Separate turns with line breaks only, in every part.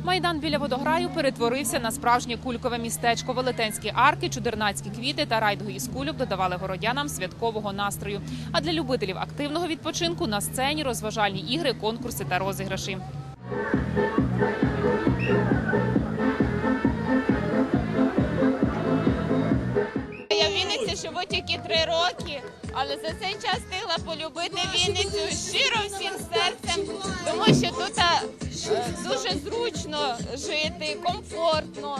Майдан біля водограю перетворився на справжнє кулькове містечко. Велетенські арки, чудернацькі квіти та райдуги із кульок додавали городянам святкового настрою. А для любителів активного відпочинку на сцені розважальні ігри, конкурси та розіграші.
Я в Вінниці живу тільки 3 роки, але за цей час встигла полюбити Вінницю щиро всім серцем, тому що тут дуже зручно жити, комфортно.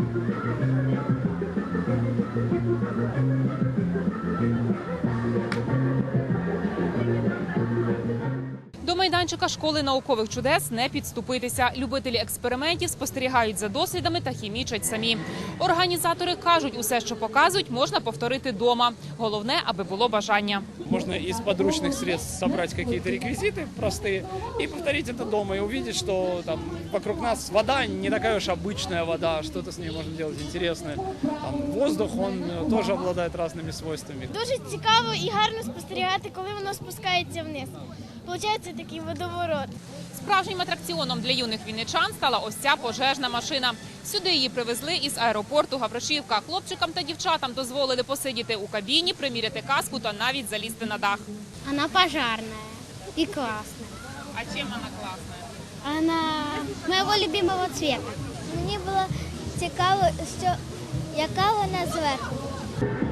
До майданчика школи наукових чудес не підступитися. Любителі експериментів спостерігають за дослідами та хімічать самі. Організатори кажуть, усе, що показують, можна повторити вдома. Головне, аби було бажання.
Можно из подручных средств собрать какие-то реквизиты простые и повторить это дома, и увидеть, что там вокруг нас вода не такая уж обычная вода, что-то с ней можно делать интересное. Там, воздух, он тоже обладает разными свойствами.
Дуже цікаво і гарно спостерігати, коли воно спускається вниз. Получається такий водоворот.
Справжнім атракціоном для юних вінничан стала ось ця пожежна машина. Сюди її привезли із аеропорту Гавришівка. Хлопчикам та дівчатам дозволили посидіти у кабіні, приміряти каску та навіть залізти на дах.
Вона пожарна і класна.
А чим вона класна?
Вона моєго любимого цвета. Мені було цікаво, яка вона зверху.